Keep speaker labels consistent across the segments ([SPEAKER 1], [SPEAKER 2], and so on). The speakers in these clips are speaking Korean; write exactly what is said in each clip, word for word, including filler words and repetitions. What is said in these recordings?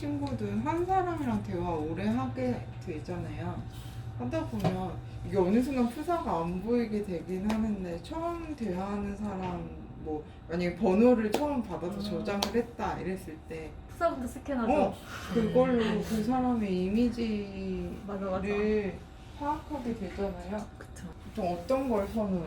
[SPEAKER 1] 친구든 한 사람이랑 대화 오래 하게 되잖아요. 하다 보면 이게 어느 순간 프사가 안 보이게 되긴 하는데 처음 대화하는 사람 뭐 만약에 번호를 처음 받아서
[SPEAKER 2] 음.
[SPEAKER 1] 저장을 했다 이랬을 때
[SPEAKER 2] 푸사부터 스캔하죠.
[SPEAKER 1] 어, 그걸로 그 사람의 이미지를
[SPEAKER 2] 맞아 맞아.
[SPEAKER 1] 파악하게 되잖아요.
[SPEAKER 3] 그쵸.
[SPEAKER 1] 좀 어떤 걸 선호해?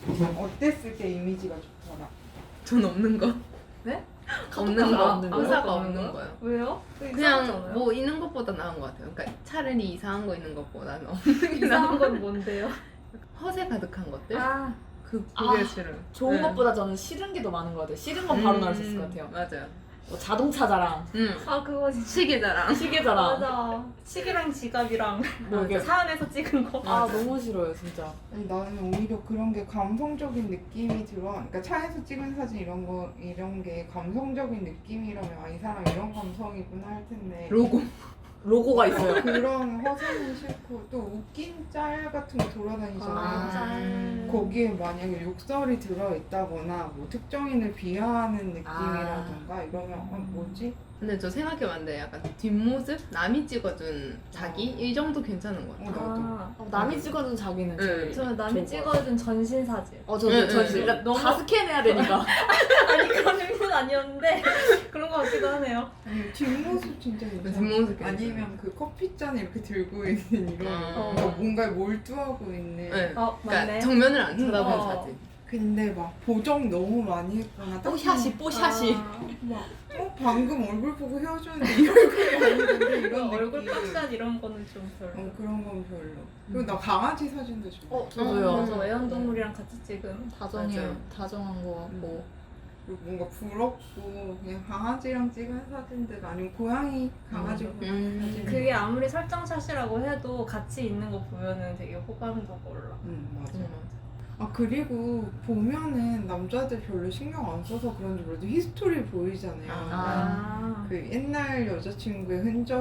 [SPEAKER 1] 어땠을 때 이미지가 좋더라?
[SPEAKER 3] 전 없는 거.
[SPEAKER 2] 네?
[SPEAKER 3] 없는 거.
[SPEAKER 2] 없는 거요?
[SPEAKER 3] 의사가
[SPEAKER 2] 없는
[SPEAKER 3] 없는
[SPEAKER 2] 거요?
[SPEAKER 3] 거요.
[SPEAKER 2] 왜요?
[SPEAKER 3] 그냥 뭐 있는 것보다 나은 것 같아요. 그러니까 차라리 이상한 거 있는 것보다는 없는 게 나은
[SPEAKER 2] 이상한
[SPEAKER 3] 거.
[SPEAKER 2] 건 뭔데요?
[SPEAKER 3] 허세 가득한 것들.
[SPEAKER 2] 아
[SPEAKER 3] 그 그게
[SPEAKER 4] 아,
[SPEAKER 3] 싫어요.
[SPEAKER 4] 좋은
[SPEAKER 3] 네.
[SPEAKER 4] 것보다 저는 싫은 게 더 많은 것 같아요. 싫은 건 바로 나올 수 있을 것 같아요.
[SPEAKER 3] 맞아요.
[SPEAKER 4] 뭐 자동차 자랑,
[SPEAKER 3] 음.
[SPEAKER 2] 아 그거 진짜
[SPEAKER 3] 시계 자랑.
[SPEAKER 4] 시계 자랑.
[SPEAKER 2] 맞아. 시계랑 지갑이랑
[SPEAKER 4] 뭐 이렇게
[SPEAKER 2] 차 안에서 찍은 거.
[SPEAKER 4] 아 너무 싫어요 진짜.
[SPEAKER 1] 아니, 나는 오히려 그런 게 감성적인 느낌이 들어. 그러니까 차에서 찍은 사진 이런 거 이런 게 감성적인 느낌이라면 아 이 사람 이런 감성이구나 할 텐데.
[SPEAKER 3] 로고.
[SPEAKER 4] 로고가 있어요.
[SPEAKER 1] 그런 허세는 싫고 또 웃긴 짤 같은 거 돌아다니잖아요.
[SPEAKER 2] 아, 짠.
[SPEAKER 1] 거기에 만약에 욕설이 들어있다거나 뭐 특정인을 비하하는 느낌이라던가 이러면 어, 뭐지?
[SPEAKER 3] 근데 저 생각해봤는데 약간 뒷모습? 남이 찍어준 자기? 이 정도 괜찮은 것
[SPEAKER 1] 어,
[SPEAKER 3] 같아요.
[SPEAKER 1] 나도.
[SPEAKER 2] 아,
[SPEAKER 4] 어, 남이 찍어준 자기는 제일
[SPEAKER 3] 응.
[SPEAKER 2] 저는 남이
[SPEAKER 4] 좋은 것 같아요.
[SPEAKER 2] 찍어준 전신 사진.
[SPEAKER 4] 어 저도
[SPEAKER 3] 응,
[SPEAKER 4] 저
[SPEAKER 3] 응,
[SPEAKER 4] 진짜
[SPEAKER 2] 응. 너무-
[SPEAKER 4] 다 스캔해야 되니까.
[SPEAKER 2] 아니 그런 의미는 아니었는데 그런 거 같기도 하네요.
[SPEAKER 1] 아니 뒷모습 진짜 괜찮아.
[SPEAKER 3] 뒷모습 괜찮아.
[SPEAKER 1] 아니면 그 커피잔 이렇게 들고 있는 이런
[SPEAKER 3] 어.
[SPEAKER 1] 뭔가 뭔가에 몰두하고 있는.
[SPEAKER 3] 네.
[SPEAKER 2] 어
[SPEAKER 3] 그러니까
[SPEAKER 2] 맞네.
[SPEAKER 3] 정면을 안 쳐다본
[SPEAKER 2] 어.
[SPEAKER 3] 사진.
[SPEAKER 1] 근데 막 보정 너무 많이 했거나 딱
[SPEAKER 4] 뽀샷이 뽀샷이.
[SPEAKER 2] 아,
[SPEAKER 1] 막 어, 방금 얼굴 보고 헤어졌는데 이 얼굴이 아닌데 이런
[SPEAKER 2] 얼굴
[SPEAKER 1] 느낌.
[SPEAKER 2] 값샷 이런 거는 좀 별로.
[SPEAKER 1] 어, 그런 건 별로. 그리고 나 강아지 사진도 좋아.
[SPEAKER 4] 어 저도요.
[SPEAKER 2] 맞아 애완동물이랑 같이 찍은.
[SPEAKER 4] 다정해요.
[SPEAKER 3] 맞아요.
[SPEAKER 4] 다정한 거 같고.
[SPEAKER 1] 그리고 뭔가 부럽고 그냥 강아지랑 찍은 사진들 아니면 고양이 강아지
[SPEAKER 4] 음.
[SPEAKER 1] 고양이
[SPEAKER 3] 음.
[SPEAKER 1] 사진.
[SPEAKER 2] 그게 아무리 설정샷이라고 해도 같이 있는 거 보면은 되게 호감도가 올라.
[SPEAKER 1] 응 맞아.
[SPEAKER 3] 음, 맞아.
[SPEAKER 1] 아 그리고 보면은 남자들 별로 신경 안 써서 그런지 몰라도 히스토리 보이잖아요.
[SPEAKER 3] 아.
[SPEAKER 1] 그 옛날 여자친구의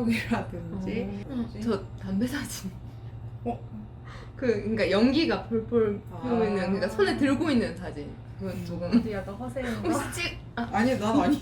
[SPEAKER 1] 흔적이라든지.
[SPEAKER 4] 어.
[SPEAKER 1] 뭐지?
[SPEAKER 3] 저 담배 사진.
[SPEAKER 1] 어?
[SPEAKER 3] 그 그러니까 연기가 폴폴 피고 있는
[SPEAKER 1] 아.
[SPEAKER 3] 그러니까 손에 들고 있는 사진. 그건 조금
[SPEAKER 2] 근데 약간 허세인가?
[SPEAKER 3] 혹시 찍? 아,
[SPEAKER 1] 아니 난 아니야.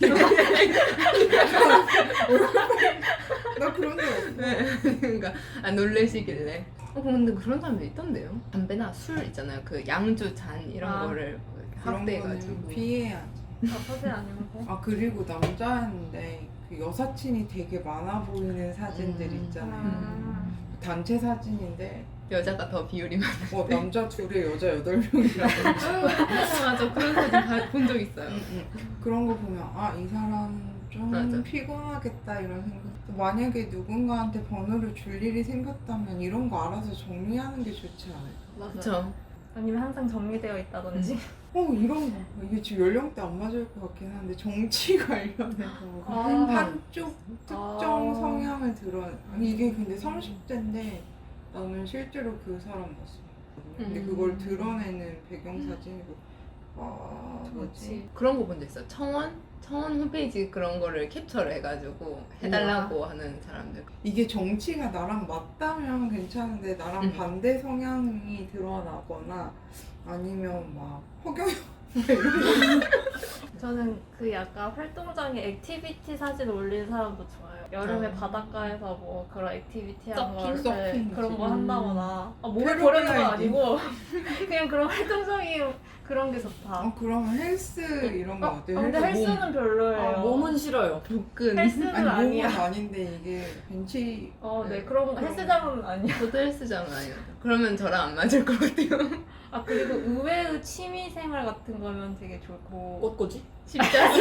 [SPEAKER 1] 나 그런 적 없어.
[SPEAKER 3] 네. 그러니까 아 놀래시길래. 어 근데 그런 사람도 있던데요. 담배나 술 있잖아요. 그 양주 잔 이런
[SPEAKER 2] 아.
[SPEAKER 3] 거를
[SPEAKER 1] 그런
[SPEAKER 3] 확대해가지고.
[SPEAKER 1] 거는 피해야지.
[SPEAKER 2] 아, 허세 아니고.
[SPEAKER 1] 아 그리고 남자인데 그 여사친이 되게 많아 보이는 사진들
[SPEAKER 3] 음.
[SPEAKER 1] 있잖아요.
[SPEAKER 2] 아.
[SPEAKER 1] 단체 사진인데
[SPEAKER 3] 여자가 더 비율이 많아.
[SPEAKER 1] 어 남자 둘에 여자 여덟 명이라든지
[SPEAKER 3] 맞아 맞아 그런 사진 본 적 있어요.
[SPEAKER 1] 그런 거 보면 아 이 사람 좀
[SPEAKER 3] 맞아.
[SPEAKER 1] 피곤하겠다 이런 생각. 또 만약에 누군가한테 번호를 줄 일이 생겼다면 이런 거 알아서 정리하는 게 좋지 않을까?
[SPEAKER 4] 맞아.
[SPEAKER 3] 그렇죠.
[SPEAKER 2] 아니면 항상 정리되어 있다든지.
[SPEAKER 1] 어 이런 거 이게 지금 연령대 안 맞을 것 같긴 한데 정치 관련해서
[SPEAKER 2] 아.
[SPEAKER 1] 한쪽 특정
[SPEAKER 2] 아.
[SPEAKER 1] 성향을 드러 이게 근데 삼십 대인데 나는 실제로 그 사람 봤어. 근데
[SPEAKER 3] 음.
[SPEAKER 1] 그걸 드러내는 배경 사진이고 아 뭐지?
[SPEAKER 2] 그렇지.
[SPEAKER 3] 그런 거 본 적 있어요. 청원? 청원 홈페이지 그런 거를 캡처를 해가지고 해달라고 하는 사람들.
[SPEAKER 1] 이게 정치가 나랑 맞다면 괜찮은데 나랑
[SPEAKER 3] 음.
[SPEAKER 1] 반대 성향이 드러나거나 아니면 막 허경영 이런 거
[SPEAKER 2] 저는 그 약간 활동장에 액티비티 사진 올리는 사람도 좋아요. 여름에
[SPEAKER 3] 아.
[SPEAKER 2] 바닷가에서 뭐 그런 액티비티 한
[SPEAKER 3] 서핑?
[SPEAKER 2] 걸 네,
[SPEAKER 1] 서핑
[SPEAKER 2] 그런 거
[SPEAKER 3] 음.
[SPEAKER 2] 한다거나 아, 몸을
[SPEAKER 1] 패러글라이딩.
[SPEAKER 2] 버리는 건 아니고 그냥 그런 활동적인 그런 게 좋다.
[SPEAKER 1] 어 그러면 헬스 이런 거
[SPEAKER 2] 어,
[SPEAKER 1] 어때요?
[SPEAKER 2] 근데
[SPEAKER 1] 헬스 몸.
[SPEAKER 2] 헬스는 별로예요.
[SPEAKER 4] 아, 몸은 싫어요.
[SPEAKER 3] 복근.
[SPEAKER 2] 헬스는
[SPEAKER 1] 아니
[SPEAKER 2] 아니야.
[SPEAKER 1] 몸은 아닌데 이게 벤치
[SPEAKER 2] 어, 네 그런
[SPEAKER 1] 그런
[SPEAKER 2] 헬스장은 아니야.
[SPEAKER 3] 저도 헬스장 아니에요. 그러면 저랑 안 맞을 것 같아요.
[SPEAKER 2] 아 그리고 의외의 취미 생활 같은 거면 되게 좋고.
[SPEAKER 4] 꽃꽂이?
[SPEAKER 3] 십자수.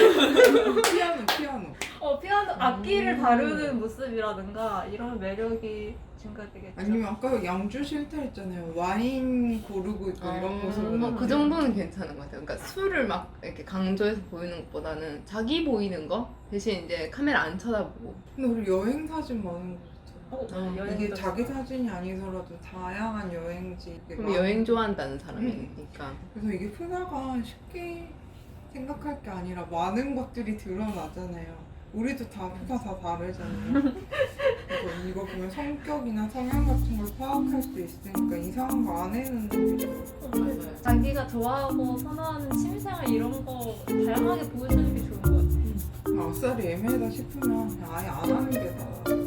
[SPEAKER 1] 피아노 피아노
[SPEAKER 2] 어 피아노 악기를
[SPEAKER 3] 음.
[SPEAKER 2] 다루는 모습이라든가 이런 매력이 증가되겠죠.
[SPEAKER 1] 아니면 아까 양주 싫다 했잖아요. 와인 고르고 있고 이런 모습은
[SPEAKER 3] 어, 그
[SPEAKER 1] 어때요?
[SPEAKER 3] 정도는 괜찮은 것 같아요. 그러니까 술을 막 이렇게 강조해서 보이는 것보다는 자기 보이는 거 대신 이제 카메라 안 쳐다보고.
[SPEAKER 1] 근데 우리 여행 사진 많은 거 좋잖아.
[SPEAKER 2] 어,
[SPEAKER 3] 어,
[SPEAKER 2] 여행도
[SPEAKER 1] 이게 자기
[SPEAKER 2] 좋고.
[SPEAKER 1] 사진이 아니더라도 다양한 여행지 이게
[SPEAKER 3] 그럼
[SPEAKER 1] 많-
[SPEAKER 3] 여행 좋아한다는 사람이니까.
[SPEAKER 1] 그래서 이게 프사가 쉽게 생각할 게 아니라 많은 것들이 드러나잖아요. 우리도 다 프사 다 다르잖아요. 그래서 이거 보면 성격이나 성향 같은 걸 파악할 수 있으니까 이상한 거 안 해는 게 좋아요.
[SPEAKER 2] 자기가 좋아하고 선호하는 취미생활 이런 거 다양하게 보여주는 게 좋은 것 같아.
[SPEAKER 1] 아 뱃살이 애매하다 싶으면 그냥 아예 안 하는 게 나아.